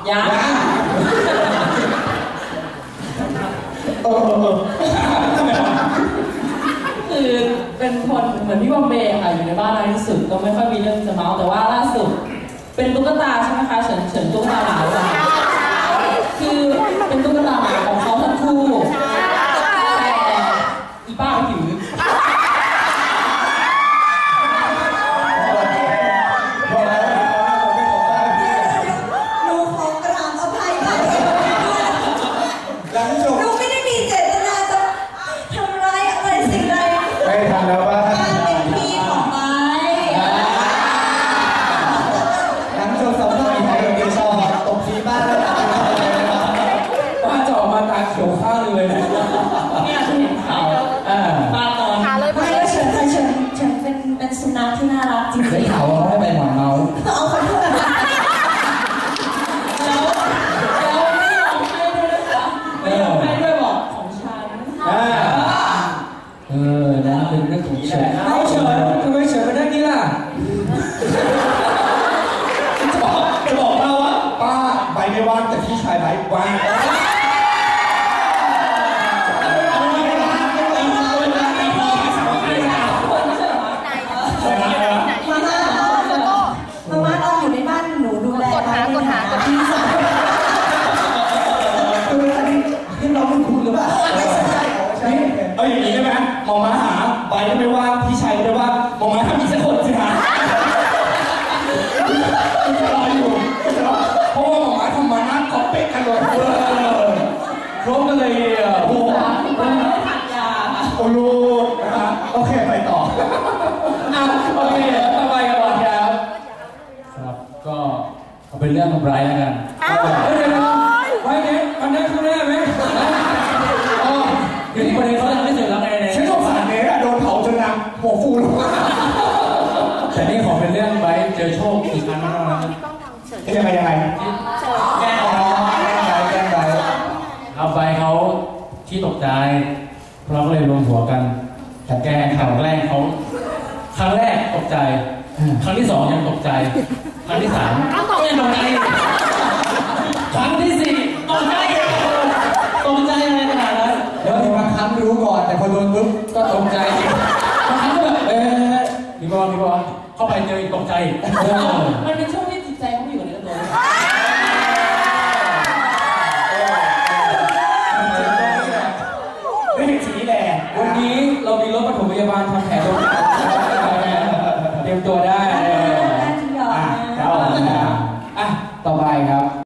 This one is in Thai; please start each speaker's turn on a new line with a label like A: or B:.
A: ยัง
B: ทำไมวะ
A: คือเป็นคนเหมือนพี่บอมเบย์ค่ะอยู่ในบ้านน้อยที่สุดก็ไม่ค่อยมีเรื่องจะเมาส์แต่ว่าล่าสุดเป็นตุ๊กตาใช่ไหมคะเฉินตุ๊กตาหมาคือเป็นตุ๊กตาหมาของเขาทั้งคู่แต่อีป้าไม่ถือ
B: เขียวข้างเลยเนี่ย
A: ที่เห็นเขาป้านอน
C: ไม่ก็เฉินเป็นสุนัขที่น่ารักจริงๆ
B: ได้ข่าวว่าเขาให้ไปหมอนเมาส์
C: เอาขอโทษ
A: แล้วไม่ยอมให้ด้วยนะคะไม่ยอมให้ด้วยบอกของฉัน
B: นะเป็นเรื่องของเฉินเอาเฉินทำไมเฉินเป็นเรื่องนี้ล่ะจะบอกเราว่าป้าใบไม่ว่างแต่พี่ชายใบว่างอย่างนี้ได้ไหมมองมาหาใบก็ไม่ว่าพี่ชายก็ไม่ว่ามองมาทำอีกสักคนสิฮะจะรออยู่เพราะว่ามองมาทำมาหน้าก็เป๊ะกันเลยครบกันเลยโอ้โห
A: ไม่ถักยา
B: โอ้ลูกนะครับโอเคไปต่อโอเคต่อไปกันก่อนครับก็เอาเป็นเรื่องของไบรท์แล้วกันเดี๋ยวไว้เนี่ยอันนั้นข้างหน้าไหมอยู่ที่ประเด็นเขาทำไม่เสร็จแล้วไงเนี่ยฉันสงสารเนสโดนเผาจนนางหัวฟูลงแต่นี่ขอเป็นเรื่องไบรท์เจอโชคอีกครั้งนึงนะยังไงแกล้งไบรท์เอาไปเขาที่ตกใจเราก็เลยรวมหัวกันแต่แกข่าวแรกเขาครั้งแรกตกใจครั้งที่2ยังตกใจครั้งที่3ยังตกใจครั้งที่4ตกใจอะไรขนาดนั้นแล้วบางครั้งรู้ก่อนแต่พอโดนปุ๊บก็ตกใจบางครั้งก็แบบพี่บอลเข้าไปเจออีกตกใจ
A: มันเป็นช่วงที่จิตใจเขาอยู่ในตัว
B: ไม่เห็นสีแดงวันนี้เรามีรถปฐมพยาบาลทำแผลตรงเตรียมตัวได้ต่อไปครับ